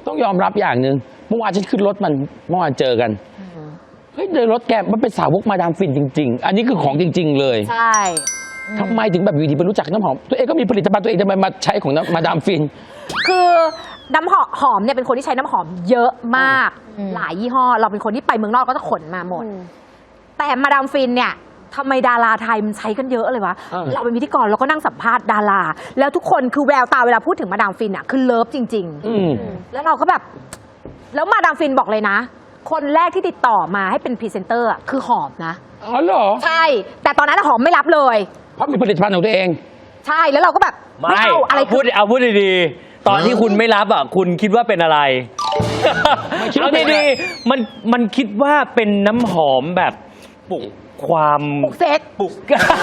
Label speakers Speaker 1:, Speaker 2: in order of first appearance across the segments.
Speaker 1: ต้องยอมรับอย่างหนึ่งเมื่อวานฉันขึ้นรถมันเมื่อวานเจอกันเฮ้ยในรถแกมันเป็นสาวกมาดามฟินจริงๆอันนี้คือของจริงๆเลย
Speaker 2: ใช่
Speaker 1: ทำไมถึงแบบอยู่ดีไปรู้จักน้ำหอมตัวเองก็มีผลิตภัณฑ์ตัวเองทำไมมาใช้ของมาดามฟิน
Speaker 2: คือน้ำหอมเนี่ยเป็นคนที่ใช้น้ำหอมเยอะมากหลายยี่ห้อเราเป็นคนที่ไปเมืองนอกก็จะขนมาหมดแต่มาดามฟินเนี่ยทำไมดาราไทยมันใช้กันเยอะเลยวะเราเป็นพิธีกรเราก็นั่งสัมภาษณ์ดาราแล้วทุกคนคือแววตาเวลาพูดถึงมาดามฟินอ่ะคือเลิฟจริงๆแล้วเราก็แบบแล้วมาดามฟินบอกเลยนะคนแรกที่ติดต่อมาให้เป็นพรีเซนเตอร์คือหอมนะ
Speaker 1: อ๋อเหรอ
Speaker 2: ใช่แต่ตอนนั้นหอมไม่รับเลย
Speaker 1: เพราะมีผลิตภัณฑ์ของตัวเอง
Speaker 2: ใช่แล้วเราก็แบบ
Speaker 3: ไม่เอาอะไรพูดดีๆตอนที่คุณไม่รับอ่ะคุณคิดว่าเป็นอะไรเอาดีๆมันคิดว่าเป็นน้ำหอมแบบปลุกความ
Speaker 2: ปลุกเซ็ก
Speaker 3: ปลุก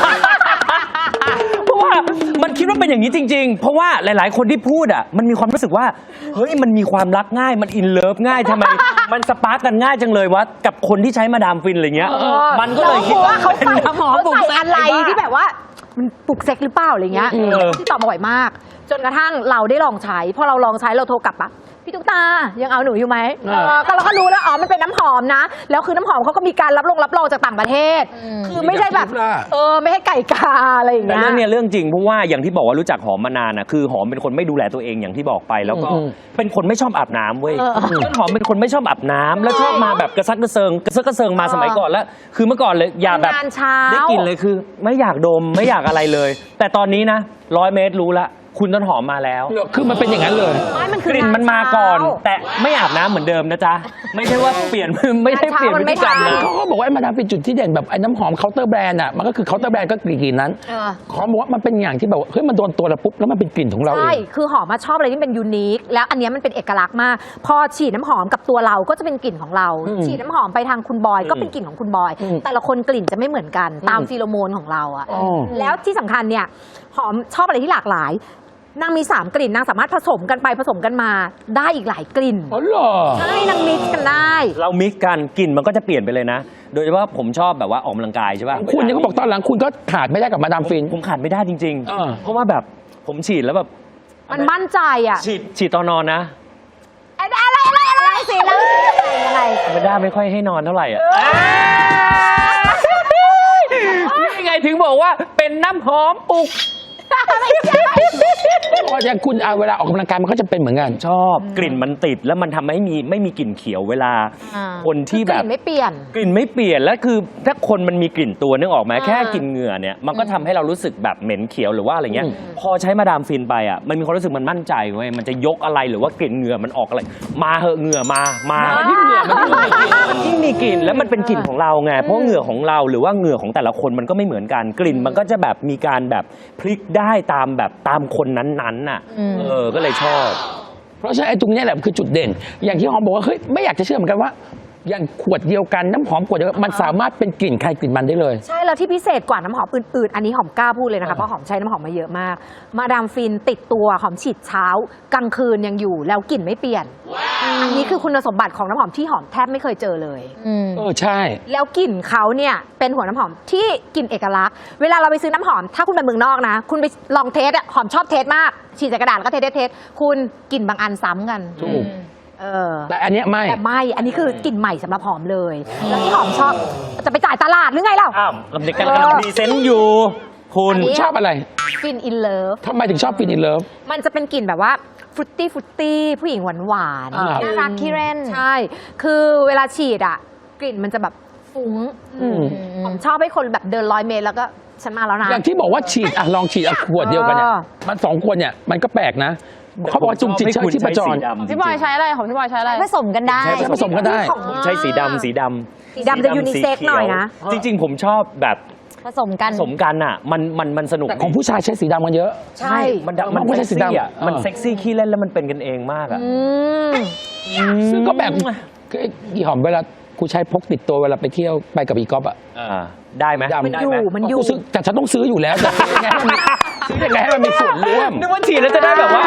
Speaker 3: เพราะว่ามันคิดว่าเป็นอย่างนี้จริงๆเพราะว่าหลายๆคนที่พูดอ่ะมันมีความรู้สึกว่าเฮ้ยมันมีความรักง่ายมันอินเลิฟง่ายทำไมมันสปาร์กกันง่ายจังเลยวะกับคนที่ใช้มาดามฟินอะไรเงี้ยมันก็เลยคิดว่า
Speaker 2: เขาใส่น้ำหอมใส่อะไรที่แบบว่ามันปลุกเซ็กหรือเปล่าอะไรเงี้ยที่ตอบมาบ่อยมากจนกระทั่งเราได้ลองใช้พอเราลองใช้เราโทรกลับปะพี่ตุ๊กตายังเอาหนูอยู่ไหมก็เราก็รู้แล้วอ๋อมันเป็นน้ำหอมนะแล้วคือน้ำหอมเขาก็มีการรับรองจากต่างประเทศคือไม่ใช่แบบไม่ให้ไก่กาอะไรอย่างเงี้ย
Speaker 3: แต่เรื่องนี้เรื่องจริงเพราะว่าอย่างที่บอกว่ารู้จักหอมมานานนะคือหอมเป็นคนไม่ดูแลตัวเองอย่างที่บอกไปแล้วก็เป็นคนไม่ชอบอาบน้ำเว้ยต้นหอมเป็นคนไม่ชอบอาบน้ำแล้วชอบมาแบบกระซักกระเซิงมาสมัยก่อนแล้วคือเมื่อก่อนเลยอย่าแบบได้กลิ่นเลยคือไม่อยากดมไม่อยากอะไรเลยแต่ตอนนี้นะ100 เมตรรู้ละคุณต้นหอมมาแล้ว
Speaker 1: คือมันเป็นอย่างนั้นเลย
Speaker 3: กลิ่นมันมาก่อนแต่ไม่อาบน้ำเหมือนเดิมนะจ๊ะไม่ใช่ว่าเปลี่ยนไม่ได้เปลี่ยนพฤติกรรมนะ
Speaker 1: เขาก็บอกว่ามาดามฟินจุดที่เด่นแบบไอ้น้ำหอมเคาน์เตอร์แบรนด์อ่ะมันก็คือเคาน์เตอร์แบรนด์ก็กลิ่นนั้นเขาบอกว่ามันเป็นอย่างที่แบบเฮ้ยมันโดนตัวเราปุ๊บแล้วมันเป็นกลิ่นของเราเอง
Speaker 2: ใช่คือหอมมาชอบอะไรที่เป็นยูนิคแล้วอันนี้มันเป็นเอกลักษณ์มากพอฉีดน้ำหอมกับตัวเราก็จะเป็นกลิ่นของเราฉีดน้ำหอมไปทางคุณบอยก็เป็นกลิ่นของคุณบอยแต่ละคนกลิ่นจะไม่เหมือนกันตามฟีโรโมนของเราอ่ะแล้วที่สำคัญเนี่ยหอมชอบอะไรที่หลากหลายนางมี3 กลิ่นนางสามารถผสมกันไปผสมกันมาได้อีกหลายกลิ่น
Speaker 1: อ๋อเหรอ
Speaker 2: ใช่นางมิกซ์กันได้
Speaker 3: เรามิกซ์กันกลิ่นมันก็จะเปลี่ยนไปเลยนะโดยเฉพาะผมชอบแบบว่าออกกำลังกายใช่ป่ะ
Speaker 1: คุณเนี่ยเขาบอกตอนหลังคุณก็ขาดไม่ได้กับมาดามฟิน
Speaker 3: ผมขาดไม่ได้จริงๆเพราะว่าแบบผมฉีดแล้วแบบ
Speaker 2: มันมั่นใจอ่ะ
Speaker 3: ฉีดตอนนอนนะ
Speaker 2: อะไรสิแล้วยังไง
Speaker 3: ไม่ได้ไม่ค่อยให้นอนเท่าไหร่อ่ะยังไงถึงบอกว่าเป็นน้ำหอมปลุก
Speaker 1: เพราะอย่างคุณเวลาออกกำลังกายมันก็จะเป็นเหมือนกัน
Speaker 3: ชอบกลิ่นมันติดแล้วมันทำให้ไม่มีกลิ่นเขียวเวลาคนที่แบบ
Speaker 2: กลิ่นไม่เปลี่ยน
Speaker 3: แล้วคือถ้าคนมันมีกลิ่นตัวนึกออกไหมแค่กลิ่นเหงื่อเนี่ยมันก็ทำให้เรารู้สึกแบบเหม็นเขียวหรือว่าอะไรเงี้ยพอใช้มาดามฟินไปอ่ะมันมีความรู้สึกมันมั่นใจเว้ยมันจะยกอะไรหรือว่ากลิ่นเหงื่อมันออกอะไรมาเหอะเหงื่อมา
Speaker 1: ยิ่งเหงื่อ
Speaker 3: มันยิ่งมีกลิ่นแล้วมันเป็นกลิ่นของเราไงเพราะเหงื่อของเราหรือว่าเหงื่อของแต่ละคนมันก็ไม่เหมือนกันกลิ่นมันก็จะแบบมีการแบบพลิกได้ตามคนนั้นๆน่ะก็เลยชอบ
Speaker 1: เพราะฉะนั้นไอ้ตรงนี้แหละคือจุดเด่นอย่างที่หอมบอกว่าเฮ้ยไม่อยากจะเชื่อเหมือนกันว่าอย่างขวดเดียวกันน้ำหอมขวดเดียวกันมันสามารถเป็นกลิ่นใครกลิ่นมันได้เลย
Speaker 2: ใช่แล้วที่พิเศษกว่าน้ำหอมอื่นๆอันนี้หอมกล้าพูดเลยนะคะเพราะหอมใช้น้ำหอมมาเยอะมากมาดามฟินติดตัวหอมฉีดเช้ากลางคืนยังอยู่แล้วกลิ่นไม่เปลี่ยนอันนี้คือคุณสมบัติของน้ำหอมที่หอมแทบไม่เคยเจอเลย
Speaker 1: ใช่
Speaker 2: แล้วกลิ่นเขาเนี่ยเป็นหัวน้ำหอมที่กลิ่นเอกลักษณ์เวลาเราไปซื้อน้ำหอมถ้าคุณไปเมืองนอกนะคุณไปลองเทสหอมชอบเทสมากฉีดใส่กระดาษแล้วก็เทสคุณกลิ่นบางอันซ้ำกัน
Speaker 1: ถูกแต่อันนี้ไม่
Speaker 2: อันนี้คือกลิ่นใหม่สำหรับหอมเลยแล้วที่หอมชอบจะไปจ่ายตลาดหรือไงเล่า
Speaker 3: ลำเด็กกันกำลังดีเซนต์อยู่คุณ
Speaker 1: ชอบอะไร
Speaker 2: ฟินอินเลิฟ
Speaker 1: ทำไมถึงชอบฟินอินเลิฟ
Speaker 2: มันจะเป็นกลิ่นแบบว่าฟรุตตี้ผู้หญิงหวานน่ารักขี้เล่นใช่คือเวลาฉีดกลิ่นมันจะแบบฟุ้งผมชอบให้คนแบบเดิน100 เมตรแล้วก็ฉันมาแล้วนะ
Speaker 1: อย่างที่บอกว่าฉีดลองฉีดขวดเดียวกันเนี่ยมัน2 ขวดเนี่ยมันก็แปลกนะเขาบอกว่าจุ่มจิตที่ประจร
Speaker 4: พี่บอยใช้อะไรของพี่บอยใช้อะไร
Speaker 2: ผสมกันได้
Speaker 1: ผสมกันได้
Speaker 3: ใช้สีดำ
Speaker 2: จะยูนิเซ็กหน่อยนะ
Speaker 3: จริงๆผมชอบแบบ
Speaker 2: ผสมกัน
Speaker 3: อ่ะมันสนุก
Speaker 1: แต่ของผู้ชายใช้สีดำกันเยอะ
Speaker 3: ใช่มันไม่ใช่สีดำอ่ะมันเซ็กซี่ขี้เล่นแล้วมันเป็นกันเองมากอ่ะ
Speaker 1: ซึ่งก็แบบอีหอมเวลากูใช้พกติดตัวเวลาไปเที่ยวไปกับอีกอล์ฟ
Speaker 3: ได้ไหม
Speaker 2: มันอยู่
Speaker 1: แต่ฉันต้องซื้ออยู่แล้วจะซื้อยังไงให้มันมีส่วนร่วม
Speaker 3: นึกว่าฉีดแล้วจะได้แบบว่า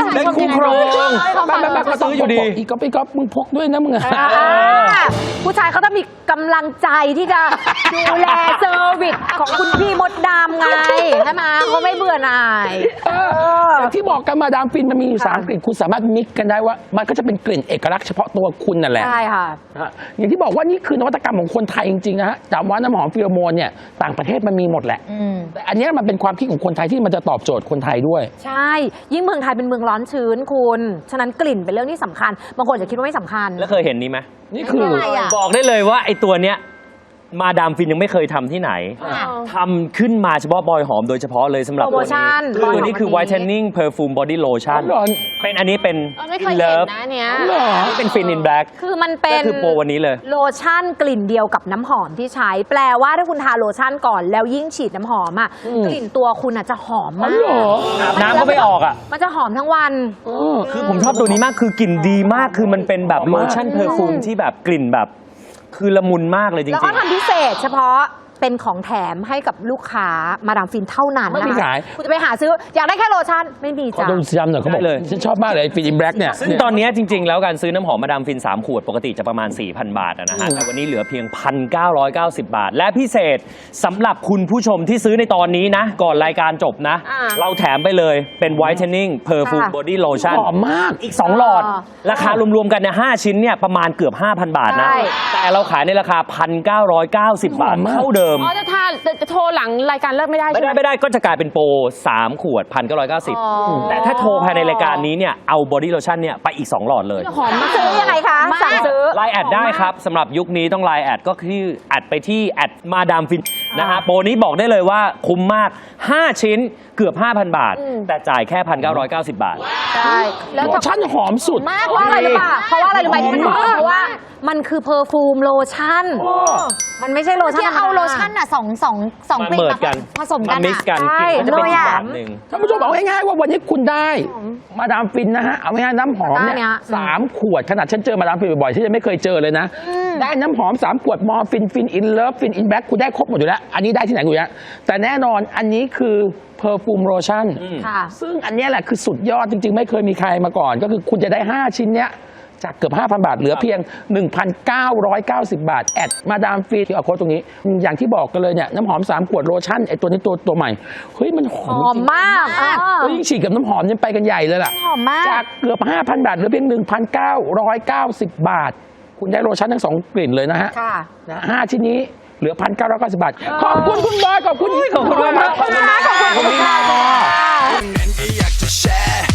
Speaker 3: เป็นคู่ครอง
Speaker 1: แบบก็ต้อง
Speaker 3: ซื้ออยู่ดี
Speaker 1: อีกก็ไปก๊อปมึงพกด้วยนะมึงอะ
Speaker 2: ผู้ชายเขาต้องมีกำลังใจที่จะดูแลเซอร์วิสของคุณพี่มดดำไงใช่ไหมเขาไม่เบื่อหน่าย
Speaker 1: อย่างที่บอกกันมาดามฟินมันมีอยู่3กลิ่นคุณสามารถมิกกันได้ว่ามันก็จะเป็นกลิ่นเอกลักษณ์เฉพาะตัวคุณนั่นแหละ
Speaker 2: ใช่ค่ะ
Speaker 1: อย่างที่บอกว่านี่คือนวัตกรรมของคนไทยจริงๆนะฮะจำว่าน้ำหอมฟิโรโมนเนี่ยต่างประเทศมันมีหมดแหละแต่อันเนี้ยมันเป็นความคิดของคนไทยที่มันจะตอบโจทย์คนไทยด้วย
Speaker 2: ใช่ ยิ่งเมืองไทยเป็นเมืองร้อนชื้นคุณ ฉะนั้นกลิ่นเป็นเรื่องที่สำคัญ บางคนอาจจะคิดว่าไม่สำคัญ
Speaker 3: แล้วเคยเห็นนี้ไหม
Speaker 1: นี่คือ
Speaker 2: อะไรอะ
Speaker 3: บอกได้เลยว่าไอ้ตัวเนี้ยมาดามฟินยังไม่เคยทำที่ไหนทำขึ้นมาเฉพาะบอยหอมโดยเฉพาะเลยสำหรับ
Speaker 2: โปรโมชั่น
Speaker 3: ตัวนี้คือ whitening perfume body lotion
Speaker 1: หรอ
Speaker 3: เป็นอันนี้เป็น
Speaker 4: ไม่เคยเห็น
Speaker 3: Love
Speaker 4: นะเนี้ย
Speaker 1: หรอ
Speaker 3: นี่เป็น Fin in Black
Speaker 2: คือมันเป็
Speaker 3: ก็
Speaker 2: น
Speaker 3: คือโปรวันนี้เลย
Speaker 2: โลชั่นกลิ่นเดียวกับน้ำหอมที่ใช้ แปลว่าถ้าคุณทาโลชั่นก่อนแล้วยิ่งฉีดน้ำหอมอ่ะ กลิ่นตัวคุณอ่ะจะหอม
Speaker 1: อ๋อ
Speaker 2: มาก
Speaker 1: เหรอ
Speaker 3: อาบน้ำก็ไม่ออกอ่ะ
Speaker 2: มันจะหอมทั้งวัน
Speaker 3: คือผมชอบตัวนี้มากคือกลิ่นดีมากคือมันเป็นแบบโลชั่นเพอร์ฟูมที่แบบกลิ่นแบบ คือละมุนมากเลยจริง
Speaker 2: แล้วก็ทำพิเศษเฉพาะเป็นของแถมให้กับลูกค้ามาดามฟินเท่านั้น
Speaker 1: ไม่มี
Speaker 2: นะคะ
Speaker 1: ขาย
Speaker 2: คุณจะไปหาซื้ออยากได้แค่โลชั่นไม่มี
Speaker 1: ขอ
Speaker 2: จ้ะ
Speaker 1: ดูย้ำหน่อยเขาบอกฉันชอบมากเลยฟินอินแบล็กเนี่ย
Speaker 3: ซึ่งตอนนี้จริง ๆ แล้วการซื้อน้ำหอมมาดามฟิน 3 ขวดปกติจะประมาณ 4,000 บาทนะฮะแต่วันนี้เหลือเพียง 1,990 บาท และพิเศษสำหรับคุณผู้ชมที่ซื้อในตอนนี้นะ ก่อนรายการจบนะ เราแถมไปเลยเป็น whitening perfume body lotion
Speaker 1: หอมมาก
Speaker 3: อีก 2 หลอด ราคารวมๆกันเนี่ย5ชิ้นเนี่ยประมาณเกือบ 5,000 บาทนะ
Speaker 2: ใช่
Speaker 3: แต่เราขายในราคา 1,990 บาท
Speaker 1: หอมมาก
Speaker 3: เท่าเดิม
Speaker 4: อ๋อจะโทรหลังรายการเลิกไม่ได้
Speaker 3: ไม่
Speaker 4: ใช่ไห
Speaker 3: ได้
Speaker 4: ม
Speaker 3: ไม่ได้ก็จะกลายเป็นโปร 3 ขวด 1,990 แต่ถ้าโทรภายในรายการนี้เนี่ยเอา body lotion เนี่ยไปอีก 2 หลอดเลย
Speaker 4: หอมมาก
Speaker 2: ซื้อยังไงคะสั่งซื้อ
Speaker 3: ไลน์แอดได้ครับสำหรับยุคนี้ต้องไลน์แอดก็คือแอดไปที่แอดมาดามฟินนะฮะโปรนี้บอกได้เลยว่าคุ้มมาก 5 ชิ้นเกือบ 5,000 บาท แต่จ่ายแค่ 1,990 บาท
Speaker 2: ใช่แล้ว
Speaker 1: โลชั่นหอมสุด
Speaker 2: มากเพราะอะไรรู้ป่ะเพราะว่าอะไรรู้ไหมที่มันหอมเพราะว่ามันคือเพอร์ฟูมโลชั่น มันไม่ใช่โลชั่น
Speaker 5: ที่เอาโลชั่นอ่ะสองกลิ่น
Speaker 3: มาเมิด
Speaker 5: มา
Speaker 3: กัน
Speaker 5: ผสมกัน
Speaker 3: มิก
Speaker 5: อ่ะ
Speaker 3: ซ์กัน
Speaker 2: ใช่
Speaker 3: กลิ่นก็จะเป็นอีก
Speaker 2: เลยอะ
Speaker 3: แบบหนึ่ง
Speaker 1: ท่านผู้ชมเอาง่ายๆว่าวันนี้คุณได้มาดามฟินนะฮะเอาง่ายๆน้ำหอมเนี่ย
Speaker 2: ได้เนี่ย
Speaker 1: 3 ขวดขนาดฉันเจอมาดามฟินบ่อยๆฉันยังไม่เคยเจอเลยนะ ได้น้ำหอม 3 ขวดมอร์ฟินฟินอินเลิฟฟินอินแบ็คคุณได้ครบหมดอยู่แล้ว อันนี้ได้ที่ไหนกูเนี่ยแต่แน่นอนอันนี้คือเพอร์ฟูมโลชั่น
Speaker 2: ค่ะ
Speaker 1: ซึ่งอันเนี้ยแหละคือสุดยอดจริงๆ ไม่เคยมีใครมาก่อน ก็คือคุณจะได้ 5 ชิ้นเนี้ยจากเกือบ 5,000 บาทเหลือเพียง 1,990 บาท แอดมาดามฟินที่เอาโค้ดตรงนี้ อย่างที่บอกกันเลยเนี่ยน้ำหอม 3 ขวดโลชั่นไอตัวนี้ตัวใหม่ เฮ้ยมันหอ
Speaker 2: ห
Speaker 1: ม
Speaker 2: อม
Speaker 1: จริง
Speaker 2: มาก
Speaker 1: แล้วยิ่งฉีดกับน้ำหอมเนี่ยไปกันใหญ่เลยล่ะ
Speaker 5: หอมมาก
Speaker 1: จากเกือบ 5,000 บาทเหลือเพียง 1,990 บาท คุณได้โลชั่นทั้ง 2 กลิ่นเลยนะฮะ
Speaker 2: ค่ะ
Speaker 1: นะ5 ชิ้นนี้เหลือ 1,990 บาท ขอบคุณคุณบอยขอบคุณ
Speaker 3: ขอบคุณมาก
Speaker 1: ขอบคุณมากขอบคุณมาก
Speaker 6: เงินก็อยากจะแชร์